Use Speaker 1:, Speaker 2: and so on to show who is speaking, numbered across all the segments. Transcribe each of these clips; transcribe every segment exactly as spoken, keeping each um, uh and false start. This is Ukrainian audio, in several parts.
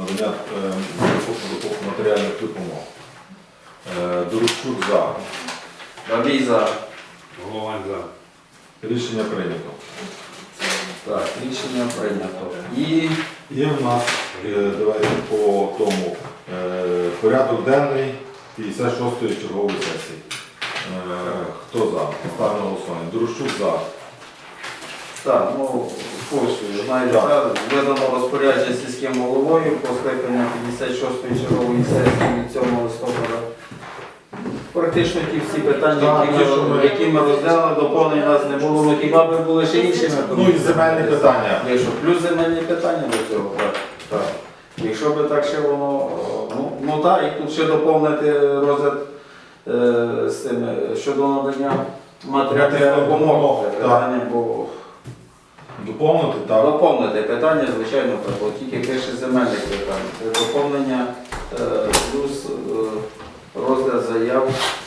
Speaker 1: надання е, матеріальних допомог. Е, Дорощук за.
Speaker 2: Бабій за.
Speaker 3: Головань за.
Speaker 1: Рішення прийнято.
Speaker 2: Так, рішення прийнято. І
Speaker 1: Є в нас, е, давайте по тому, е, порядок денний п'ятдесят шостої чергової сесії. Е, Хто за? Ставимо на голосування. Дорощук за.
Speaker 2: так, ну, курсую. Знаєте, так, видано розпорядження сільським головою по скликанню п'ятдесят шостої чергової сесії від сьомого листопада. Практично ті всі питання,
Speaker 1: Так,
Speaker 2: які,
Speaker 1: ті, що
Speaker 2: ми,
Speaker 1: ми-
Speaker 2: які ми розглянули, доповнень у нас не було, ну, хіба би були ще іншими.
Speaker 1: Ну і земельні питання.
Speaker 2: Якщо плюс земельні питання до цього, так. так. Якщо би так ще воно, ну, ну так, і тут ще доповнити розгляд е, з тим, щодо надання матеріальних
Speaker 1: Матеріальних
Speaker 2: допомог.
Speaker 1: допомог,
Speaker 2: Це
Speaker 1: так.
Speaker 2: питання, бо
Speaker 1: Доповнити, так?
Speaker 2: доповнити питання, звичайно, так, бо тільки пише земельних питань. Це доповнення е, плюс е, розгляд заяв.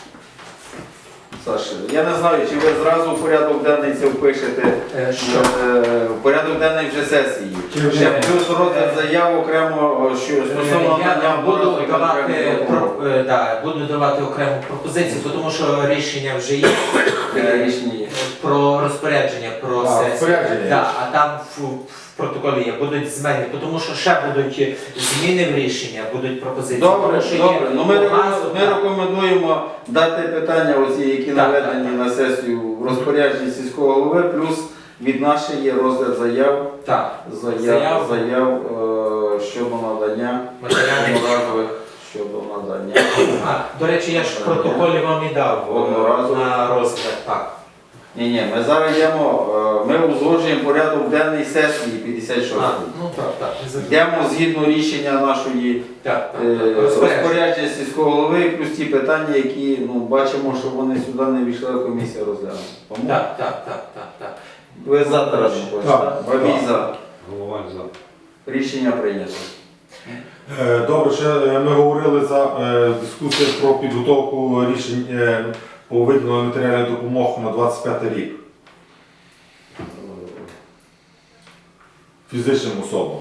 Speaker 2: Саша, я не знаю, чи ви зразу в порядок денний це впишете,
Speaker 4: Е, Що?
Speaker 2: е, в порядок денний вже сесії.
Speaker 1: Чи вже?
Speaker 2: Ще плюс розгляд заяв окремо, що стосовно
Speaker 4: Я
Speaker 2: надання
Speaker 4: буду
Speaker 2: обов'язку
Speaker 4: давати,
Speaker 2: конкретних
Speaker 4: про-
Speaker 2: допомог.
Speaker 4: е, да, буду давати окрему пропозицію, тому що рішення вже є
Speaker 2: Е, Рішення є.
Speaker 4: про розпорядження, про
Speaker 1: А,
Speaker 4: сесію.
Speaker 1: розпорядження є.
Speaker 4: Да, а там в, в протоколі є, будуть зміни, тому що ще будуть зміни в рішення, будуть пропозиції.
Speaker 2: Добре,
Speaker 4: Тому що є
Speaker 2: добре. Ну, ми,
Speaker 4: по
Speaker 2: рекомен-
Speaker 4: газу,
Speaker 2: ми
Speaker 4: так.
Speaker 2: рекомендуємо дати питання, оці, які
Speaker 4: Так,
Speaker 2: наведені
Speaker 4: так,
Speaker 2: на сесію в розпорядженні сільського голови, плюс від нашої є розгляд заяв,
Speaker 4: Так,
Speaker 2: заяв,
Speaker 4: Заяв.
Speaker 2: заяв е, щодо надання
Speaker 4: матеріальні.
Speaker 2: одноразових щодо надання.
Speaker 4: А, до речі, я ж в протоколі вам і дав е,
Speaker 2: Одноразово.
Speaker 4: на розгляд. Так.
Speaker 2: Ні, ні, ми зараз йдемо, е, ми узгоджуємо порядок денний сесії п'ятдесят
Speaker 4: А,
Speaker 2: шостої.
Speaker 4: ну так, так. не забув.
Speaker 2: Йдемо згідно рішення нашої
Speaker 4: Так, так,
Speaker 2: е,
Speaker 4: так. Розпорядження.
Speaker 2: розпорядження сільського голови, плюс ті питання, які ну, бачимо, що вони сюди не війшли, а комісія розглянула. Тому
Speaker 4: Так, так, так, так, так.
Speaker 2: ви за Тарас
Speaker 1: Так,
Speaker 2: Бабій
Speaker 1: так.
Speaker 2: за.
Speaker 3: Головань за.
Speaker 2: Рішення прийнято.
Speaker 1: Е, Добре, ще е, ми говорили за е, дискусію про підготовку рішень е, по виділенню матеріальних допомог на двадцять п'ятий рік фізичним особам.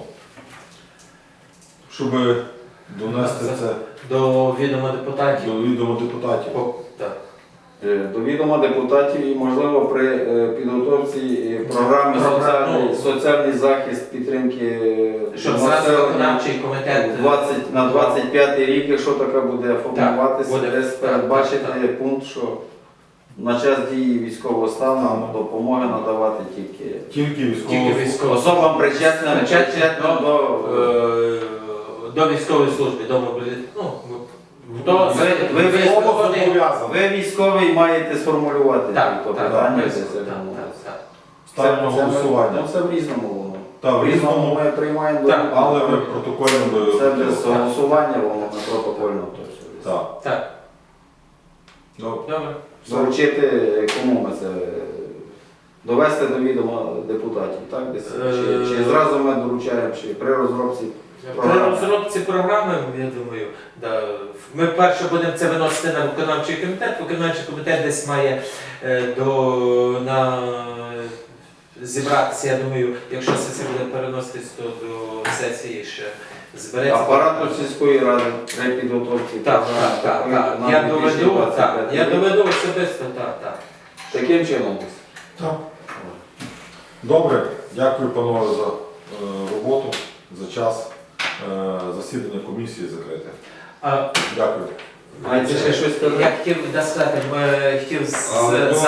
Speaker 1: Щоб донести це
Speaker 4: До відома депутатів.
Speaker 1: до відома депутатів.
Speaker 4: О, так.
Speaker 2: Е, До відома депутатів і, можливо, при е, підготовці е, програми
Speaker 4: Програм-
Speaker 2: соціальний,
Speaker 4: ну,
Speaker 2: соціальний захист підтримки е,
Speaker 4: Щоб зразу
Speaker 2: населення
Speaker 4: виконавчий комітет е,
Speaker 2: двадцять на двадцять п'ятий рік, якщо така буде формуватися,
Speaker 4: буде.
Speaker 2: десь
Speaker 4: Так,
Speaker 2: передбачити
Speaker 4: так,
Speaker 2: пункт, що на час дії військового стану
Speaker 1: Так.
Speaker 2: допомоги надавати тільки
Speaker 1: Тільки військово.
Speaker 4: Тільки військово.
Speaker 2: особам причетним,
Speaker 4: Причетним
Speaker 2: причетним до...
Speaker 4: е, до військової служби, до мобілізації. Ну, хто
Speaker 2: Ви, ви, ви,
Speaker 1: зобов'язані.
Speaker 2: ви військовий маєте сформулювати
Speaker 4: Так,
Speaker 2: то
Speaker 4: так,
Speaker 2: питання.
Speaker 4: так,
Speaker 2: це-
Speaker 4: так,
Speaker 2: це-
Speaker 4: так,
Speaker 2: ну,
Speaker 4: так.
Speaker 1: Ставимо на
Speaker 2: це- це ми-
Speaker 1: голосування.
Speaker 2: Ну, це в різному воно.
Speaker 1: Так, в
Speaker 2: В різному
Speaker 1: різному,
Speaker 2: ми приймаємо.
Speaker 4: Так,
Speaker 2: до-
Speaker 1: але ми протокольно.
Speaker 2: Це без голосування, воно не протокольно. то все.
Speaker 1: Так.
Speaker 4: Так,
Speaker 1: Добре.
Speaker 4: добре.
Speaker 2: Доручити, кому ми це довести до відома депутатів, так? Десь? Чи, чи
Speaker 4: Е,
Speaker 2: зразу ми доручаємо, чи при розробці.
Speaker 4: При розробці програми, я думаю, да, ми перше будемо це виносити на виконавчий комітет. Виконавчий комітет десь має е, до, на, зібратися, я думаю, якщо сесія буде переноситись, то до сесії ще збереться.
Speaker 2: Апарату сільської ради при підготовці.
Speaker 4: Так,
Speaker 2: програми
Speaker 4: так, так,
Speaker 2: такої
Speaker 4: так.
Speaker 2: на
Speaker 4: Я
Speaker 2: дві тисячі
Speaker 4: доведу,
Speaker 2: двадцять
Speaker 4: так,
Speaker 2: п'ятий
Speaker 4: я
Speaker 2: рік.
Speaker 4: доведу особисто, так, так.
Speaker 2: Таким чином.
Speaker 1: Так. Добре, дякую, панове, за е, роботу, за час. Е, засідання комісії закрите.
Speaker 4: А,
Speaker 1: Дякую.
Speaker 2: Маєте ще щось сказати?
Speaker 4: я хотів да, сказати, ми хотів з,
Speaker 1: Але, ну,
Speaker 4: з